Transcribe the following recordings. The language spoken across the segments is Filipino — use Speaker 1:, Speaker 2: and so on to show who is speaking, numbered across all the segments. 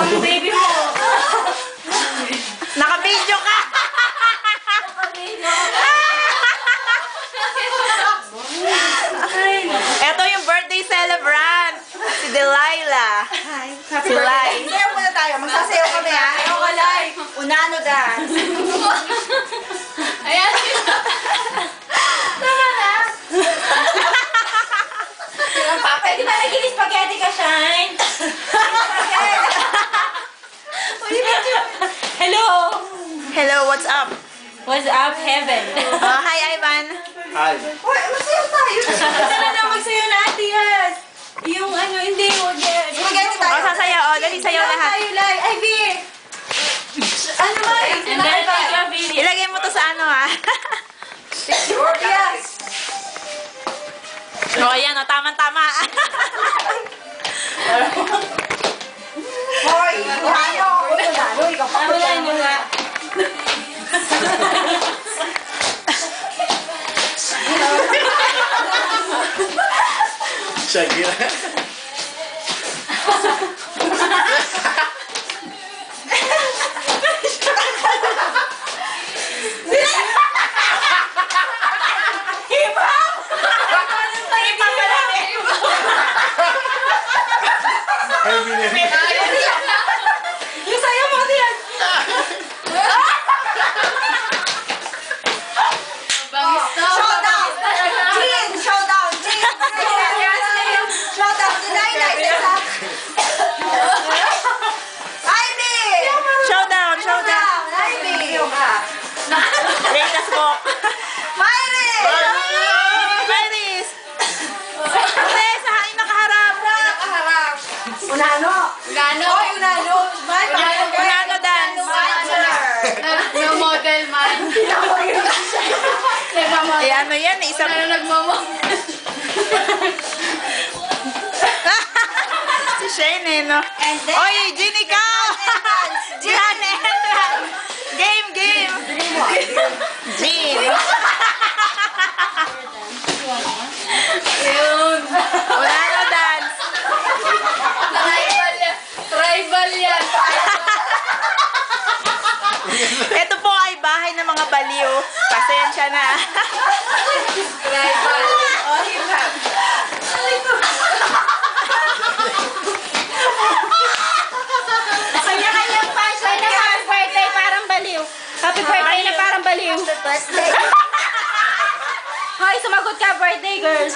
Speaker 1: Ang baby mo.
Speaker 2: Naka-video ka! Ito yung birthday celebrant. Si Delilah.
Speaker 3: Hi.
Speaker 2: Si Lai.
Speaker 3: Sayaw muna tayo. Magsasayaw kami ha. Sayaw ka, Lai. Unano dance.
Speaker 1: Ayan. Tama na.
Speaker 3: Pwede ba naging spaghetti ka, Shine?
Speaker 1: Hello.
Speaker 2: Hello, what's up?
Speaker 1: What's up, heaven?
Speaker 2: Hi, Ivan.
Speaker 4: Hi.
Speaker 3: Uy, masayaw tayo.
Speaker 1: Sana na magsayo na, Ate Yas. Yung ano, hindi, huwag yan.
Speaker 3: Spaghetti tayo.
Speaker 2: Sasayaw. Dali, sayaw lahat.
Speaker 3: Tayo, Lai. Ivy. Ano ba?
Speaker 1: And then, take your video.
Speaker 2: Ilagay mo to sa ano, ha?
Speaker 3: Yes.
Speaker 2: O, ayan, o. Tama-tama.
Speaker 3: Hoy, unano. Unano, ikaw pa.
Speaker 1: Wala yun nga.
Speaker 4: Shakira.
Speaker 3: Yung sayaw mo, Ate Yas.
Speaker 1: Bangis na.
Speaker 3: Showdown! Jean! Showdown! Jean! Showdown! Delilah! Ivy!
Speaker 2: Showdown.
Speaker 3: Ivy!
Speaker 2: Latest book.
Speaker 3: Miley!
Speaker 2: Iris! Hindi, sa hain nakaharap.
Speaker 3: Unano!
Speaker 1: Gano?
Speaker 3: Hoy, unano!
Speaker 2: Unano dance.
Speaker 1: Nag-model man. Nagmamodel.
Speaker 2: Eh, ano yan? Isang...
Speaker 1: Ano nagmamodel?
Speaker 2: Si Shane, eh, no?
Speaker 3: And then...
Speaker 2: Oy, Jean, ikaw! Jean, entrance! Game! Jean!
Speaker 1: Yun.
Speaker 2: Unano dance!
Speaker 1: Tribal yan.
Speaker 2: Ito po ay bahay ng mga baliw. Pasensya na.
Speaker 1: Tribal.
Speaker 3: Oh, hip hop.
Speaker 1: Kanya-kanyang fashion na happy birthday parang baliw. Happy birthday na parang baliw.
Speaker 3: Birthday.
Speaker 1: Hoy, sumagot ka, birthday girls.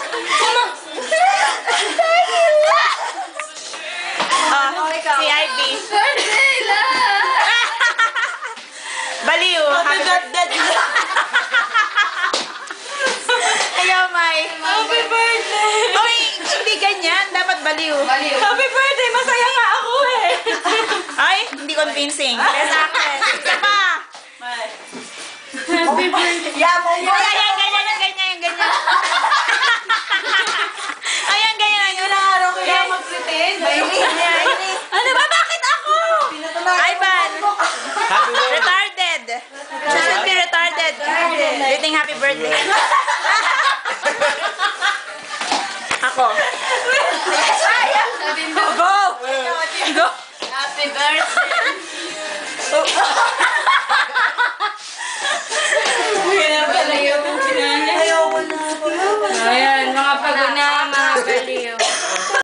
Speaker 2: Si Ivy.
Speaker 1: Birthday lang.
Speaker 2: Baliw. Happy birthday. Ayaw, May.
Speaker 1: Happy birthday.
Speaker 2: Uy, hindi ganyan. Dapat baliw.
Speaker 1: Happy birthday, masaya nga ako eh.
Speaker 2: Ay, hindi convincing. Kaya sa akin. Isa pa.
Speaker 1: Happy birthday.
Speaker 3: Yamo mo.
Speaker 2: Ayan, ganyan. Ayan, ganyan.
Speaker 3: Araw ko yan.
Speaker 1: mag-pretend.
Speaker 2: Ano ba? Bakit ako? Ivan.
Speaker 4: Happy birthday.
Speaker 2: Retarded. You should be retarded. You think happy birthday.